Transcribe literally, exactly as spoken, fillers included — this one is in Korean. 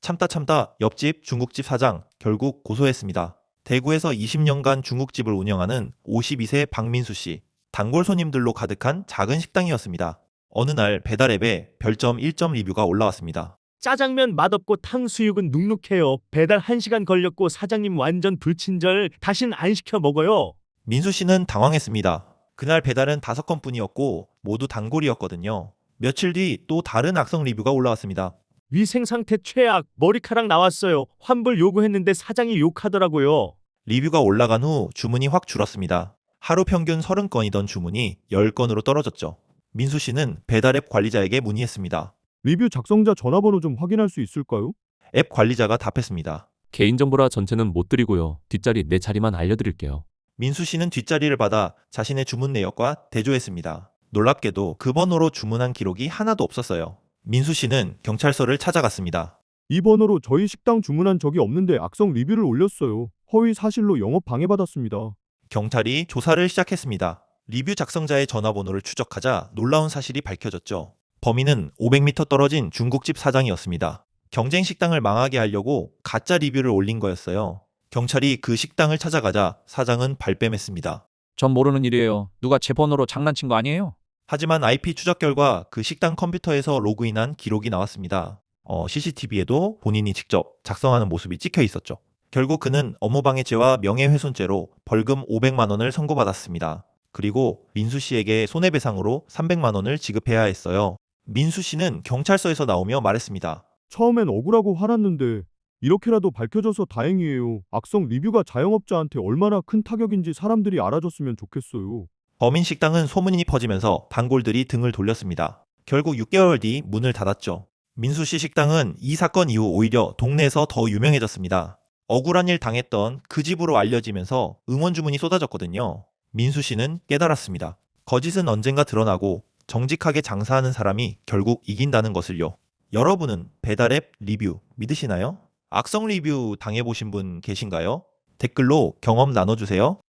참다 참다 옆집 중국집 사장 결국 고소했습니다. 대구에서 이십 년간 중국집을 운영하는 오십이 세 박민수 씨. 단골 손님들로 가득한 작은 식당이었습니다. 어느 날 배달앱에 별점 일 점 리뷰가 올라왔습니다. 짜장면 맛없고 탕수육은 눅눅해요. 배달 한 시간 걸렸고 사장님 완전 불친절. 다신 안 시켜 먹어요. 민수 씨는 당황했습니다. 그날 배달은 다섯 건뿐이었고 모두 단골이었거든요. 며칠 뒤 또 다른 악성 리뷰가 올라왔습니다. 위생 상태 최악. 머리카락 나왔어요. 환불 요구했는데 사장이 욕하더라고요. 리뷰가 올라간 후 주문이 확 줄었습니다. 하루 평균 서른 건이던 주문이 십 건으로 떨어졌죠. 민수 씨는 배달앱 관리자에게 문의했습니다. 리뷰 작성자 전화번호 좀 확인할 수 있을까요? 앱 관리자가 답했습니다. 개인정보라 전체는 못 드리고요. 뒷자리 네 자리만 알려드릴게요. 민수 씨는 뒷자리를 받아 자신의 주문 내역과 대조했습니다. 놀랍게도 그 번호로 주문한 기록이 하나도 없었어요. 민수 씨는 경찰서를 찾아갔습니다. 이 번호로 저희 식당 주문한 적이 없는데 악성 리뷰를 올렸어요. 허위 사실로 영업 방해받았습니다. 경찰이 조사를 시작했습니다. 리뷰 작성자의 전화번호를 추적하자 놀라운 사실이 밝혀졌죠. 범인은 오백 미터 떨어진 중국집 사장이었습니다. 경쟁 식당을 망하게 하려고 가짜 리뷰를 올린 거였어요. 경찰이 그 식당을 찾아가자 사장은 발뺌했습니다. 전 모르는 일이에요. 누가 제 번호로 장난친 거 아니에요? 하지만 아이피 추적 결과 그 식당 컴퓨터에서 로그인한 기록이 나왔습니다. 어, 씨씨티비에도 본인이 직접 작성하는 모습이 찍혀 있었죠. 결국 그는 업무방해죄와 명예훼손죄로 벌금 오백만 원을 선고받았습니다. 그리고 민수 씨에게 손해배상으로 삼백만 원을 지급해야 했어요. 민수 씨는 경찰서에서 나오며 말했습니다. 처음엔 억울하고 화났는데 이렇게라도 밝혀져서 다행이에요. 악성 리뷰가 자영업자한테 얼마나 큰 타격인지 사람들이 알아줬으면 좋겠어요. 범인 식당은 소문이 퍼지면서 단골들이 등을 돌렸습니다. 결국 육 개월 뒤 문을 닫았죠. 민수 씨 식당은 이 사건 이후 오히려 동네에서 더 유명해졌습니다. 억울한 일 당했던 그 집으로 알려지면서 응원 주문이 쏟아졌거든요. 민수 씨는 깨달았습니다. 거짓은 언젠가 드러나고 정직하게 장사하는 사람이 결국 이긴다는 것을요. 여러분은 배달앱 리뷰 믿으시나요? 악성 리뷰 당해보신 분 계신가요? 댓글로 경험 나눠주세요.